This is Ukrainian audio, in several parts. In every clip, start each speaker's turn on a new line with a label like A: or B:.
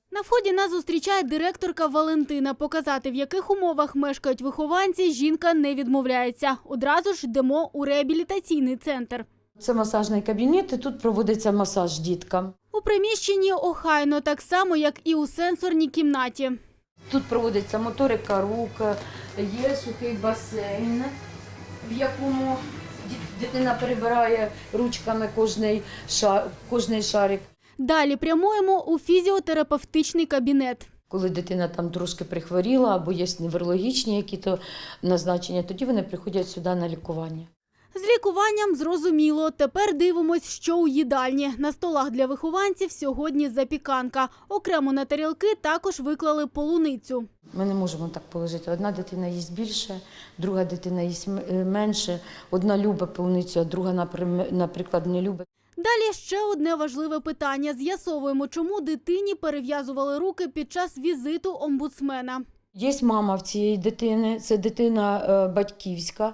A: На вході нас зустрічає директорка Валентина. Показати, в яких умовах мешкають вихованці, жінка не відмовляється. Одразу ж йдемо у реабілітаційний центр.
B: Це масажний кабінет, і тут проводиться масаж діткам.
A: У приміщенні охайно, так само, як і у сенсорній кімнаті.
B: Тут проводиться моторика рук, є сухий басейн, в якому дитина перебирає ручками кожний шарик.
A: Далі прямуємо у фізіотерапевтичний кабінет.
B: Коли дитина там трошки прихворіла або є неврологічні які-то назначення, тоді вони приходять сюди на лікування.
A: З лікуванням зрозуміло. Тепер дивимось, що у їдальні. На столах для вихованців сьогодні запіканка. Окремо на тарілки також виклали полуницю.
B: Ми не можемо так положити. Одна дитина їсть більше, друга дитина їсть менше. Одна любить полуницю, а друга, наприклад, не любить.
A: Далі ще одне важливе питання. З'ясовуємо, чому дитині перев'язували руки під час візиту омбудсмена.
B: Є мама в цієї дитини, це дитина батьківська,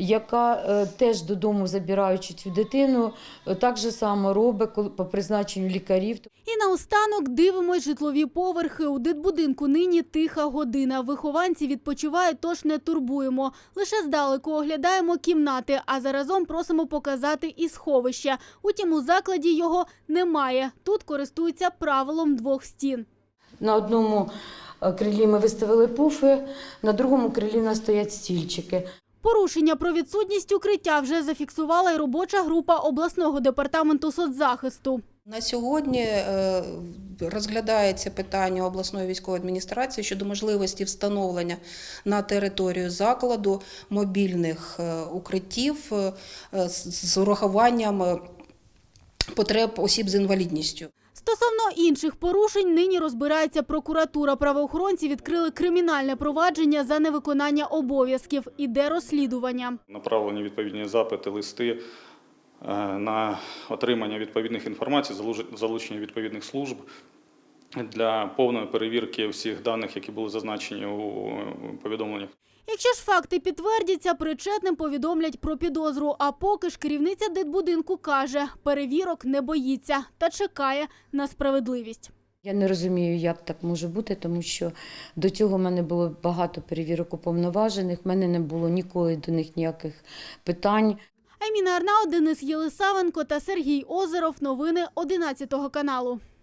B: яка теж додому, забираючи цю дитину, так же само робить по призначенню лікарів.
A: І наостанок дивимось житлові поверхи. У дитбудинку нині тиха година. Вихованці відпочивають, тож не турбуємо. Лише здалеку оглядаємо кімнати, а заразом просимо показати і сховище. Утім, у закладі його немає. Тут користуються правилом двох стін.
B: На одному крилі ми виставили пуфи, на другому крилі у нас стоять стільчики.
A: Порушення про відсутність укриття вже зафіксувала й робоча група обласного департаменту соцзахисту.
C: На сьогодні розглядається питання обласної військової адміністрації щодо можливості встановлення на територію закладу мобільних укриттів з урахуванням потреб осіб з інвалідністю.
A: Стосовно інших порушень нині розбирається прокуратура. Правоохоронці відкрили кримінальне провадження за невиконання обов'язків. Іде розслідування.
D: Направлені відповідні запити, листи на отримання відповідних інформацій, залучення відповідних служб для повної перевірки всіх даних, які були зазначені у повідомленнях.
A: Якщо ж факти підтвердяться, причетним повідомлять про підозру. А поки ж керівниця дитбудинку каже, перевірок не боїться та чекає на справедливість.
B: Я не розумію, як так може бути, тому що до цього в мене було багато перевірок уповноважених, в мене не було ніколи до них ніяких питань.
A: Айміна Арнаут, Денис Єлисавенко та Сергій Озеров. Новини 11 каналу.